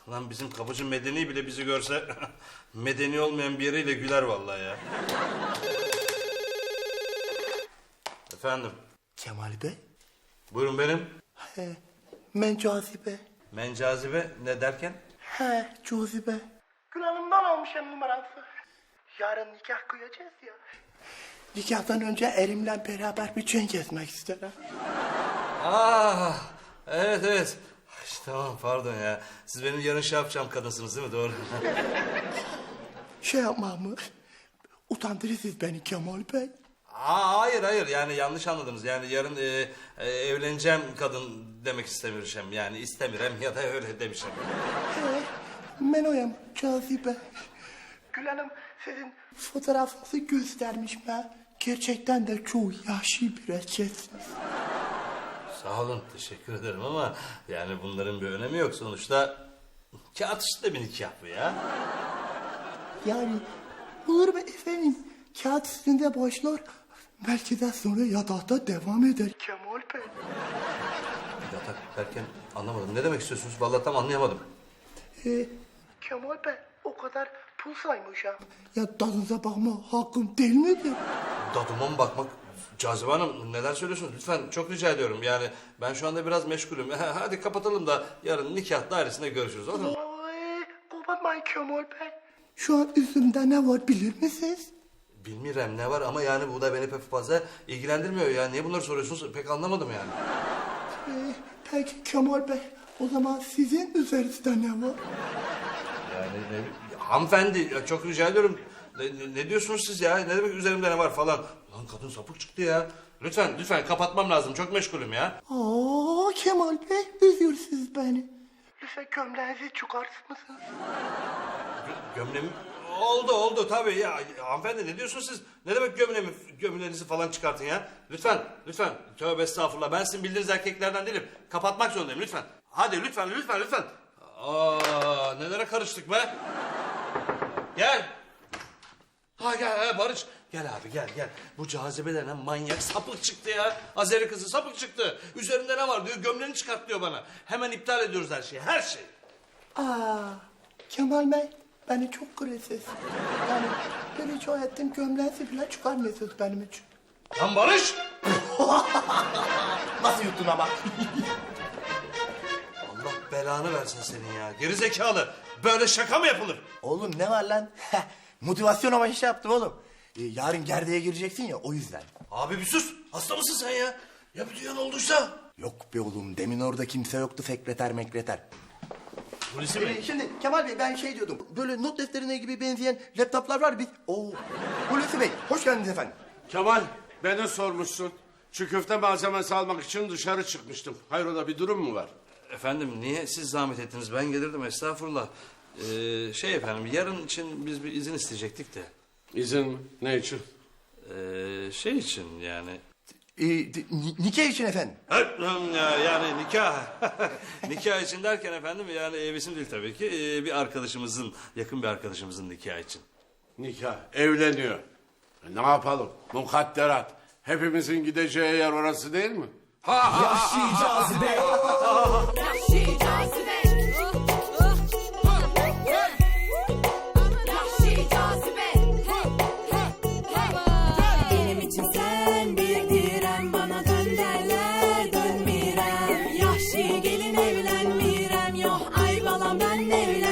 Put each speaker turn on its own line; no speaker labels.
Lan bizim kapıcı medeni bile bizi görse medeni olmayan bir yeriyle güler vallahi ya. Efendim,
Kemal Bey?
buyurun benim.
He, ben Cazibe.
Mencazibe ne derken?
He, Cazibe. Gül Hanım'dan almışım numarası. Yarın nikah kıyacağız ya. Nikahtan önce erimle beraber bir çen gezmek isterim.
Evet. Ay, tamam pardon ya. Siz benim yarın şey yapacağım kadınsınız değil mi? Doğru.
Şey yapmam mı? Utandırırsınız beni Kemal Bey.
Hayır yani yanlış anladınız. Yani yarın evleneceğim kadın demek istemiyorum. Yani istemirem ya da öyle demişim.
He, ben oyum Cazibe. Gül Hanım sizin fotoğrafınızı göstermiş ben. Gerçekten de çok yaşlı bir erkeksiniz.
Sağ olun teşekkür ederim ama yani bunların bir önemi yok. Sonuçta kağıt üstünde bir nikah bu ya.
Yani olur mu efendim? Kağıt üstünde başlar. Belki de sonra yatakta devam eder. Kemal Bey.
Yatak derken anlamadım. Ne demek istiyorsunuz? Vallahi tam anlayamadım.
Kemal Bey o kadar pul saymışım. Ya tadınıza bakma hakkım değil midir?
Dadıma mı bakmak? Cazibe Hanım neler söylüyorsunuz? Lütfen çok rica ediyorum. Yani ben şu anda biraz meşgulüm. Hadi kapatalım da yarın nikah dairesinde görüşürüz olur mu?
Ay, kapatmayın Kemal Bey. Şu an üstümde ne var bilir misiniz?
Bilmiyorum ne var ama yani bu da beni pek fazla ilgilendirmiyor. Ya niye bunları soruyorsunuz? Pek anlamadım yani.
Peki Kemal Bey o zaman sizin üzerinizde ne var?
Yani hanımefendi ya çok rica ediyorum. Ne diyorsunuz siz ya? Ne demek üzerimde ne var falan? Lan kadın sapık çıktı ya. Lütfen kapatmam lazım. Çok meşgulüm ya.
Aa Kemal Bey üzüyorsunuz beni. Lütfen gömleğinizi çıkarsın mısınız?
Gömleğim oldu tabii ya. Hanımefendi ne diyorsunuz siz? Ne demek gömleğinizi falan çıkartın ya? Lütfen. Tövbe estağfurullah. Ben sizin bildiğiniz erkeklerden değilim. Kapatmak zorundayım lütfen. Hadi lütfen. Nelere karıştık be? Gel. Gel Barış. Gel abi gel. Bu Cazibe denen manyak sapık çıktı ya. Azeri kızı sapık çıktı. Üzerinde ne var diyor. Gömleğini çıkart diyor bana. Hemen iptal ediyoruz her şeyi. Her şeyi.
Kemal Bey beni çok kırıyorsunuz. Yani bir rica ettim gömleğinizi bile çıkarmıyorsunuz benim için.
Lan Barış.
Nasıl yuttun ama?
Allah belanı versin senin ya. Gerizekalı. Böyle şaka mı yapılır?
Oğlum ne var lan? Motivasyon amaçlı şey yaptım oğlum. Yarın gerdeğe gireceksin ya o yüzden.
Abi bir sus. Hasta mısın sen ya? Ya bir duyan olduysa?
Yok be oğlum demin orada kimse yoktu sekreter mekreter.
Polisi mi?
Şimdi Kemal Bey ben şey diyordum. Böyle not defterine gibi benzeyen laptoplar var biz. Hulusi Bey hoş geldiniz efendim.
Kemal, beni sormuşsun. Çiğ köfte malzemesi almak için dışarı çıkmıştım. Hayrola bir durum mu var?
Efendim niye siz zahmet ettiniz? Ben gelirdim estağfurullah. Efendim yarın için biz bir izin isteyecektik de.
İzin mi? Ne için?
Şey için yani.
Nikah için efendim.
Yani nikah. Nikah için derken efendim yani bizim değil tabii ki. Bir arkadaşımızın, yakın bir arkadaşımızın nikahı için.
Nikah, evleniyor. Ne yapalım? Mukadderat. Hepimizin gideceği yer orası değil mi?
Yahşi cazibe. Yahşi cazibe. Yahşi cazibe. Benim için sen bir direm, bana dön derler dönmirem. Yahşi gelin evlenmirem, yok ay balam ben evlen.